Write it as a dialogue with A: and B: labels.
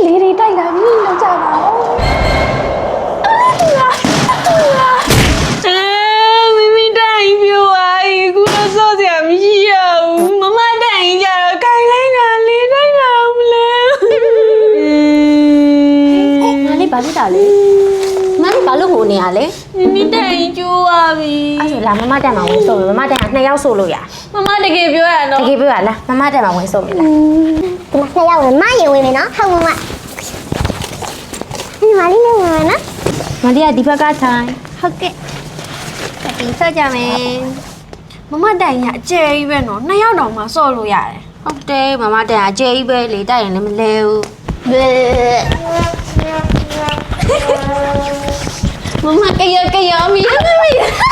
A: လေးတွေတိုက်လာပြီလောက်ကြပါဦးမိမိတိုင်ပြိုပါခုတော့စောစရာမရှိရဘူးမမတိုင်ကြတော့ခိုင်လိုက်တာလေးတိုက်လာအောင်မလဲ
B: ငါလေးဘာလို့တာလဲမလေးဘာလို့ငိုနေရလဲ
A: မိမိတိုင်ကျိုးပါပြီ
B: အဲ့ဆိုလာမမတက်မှာဝင်ဆိုမယ်မမတက်က2ယောက်ဆိုလို့ရ
A: မမတကယ်ပြောရနော်
B: တကယ်ပြောရလားမမတက်မှာဝင်ဆိုမယ်လား
C: ဒီမှာ2ယောက်ဝင်မရင်ဝင်မယ်နော်ဟုတ်မမဒီမှာလေးနဲ့ဝင်မယ်နော်
B: မလေးကဒီဘက်ကထိုင်
C: ဟုတ်ကဲ့ဒီဆော့ကြမယ်
A: မမတိုင်ရအကျယ်ကြီးပဲနော်2ယောက်တောင်မှစော့လို့ရတယ်
B: ဟုတ်တယ်မမတက်ကအကျယ်ကြီးပဲလေတိုက်ရင်လည်းမလဲဘူး
A: မမကရမီ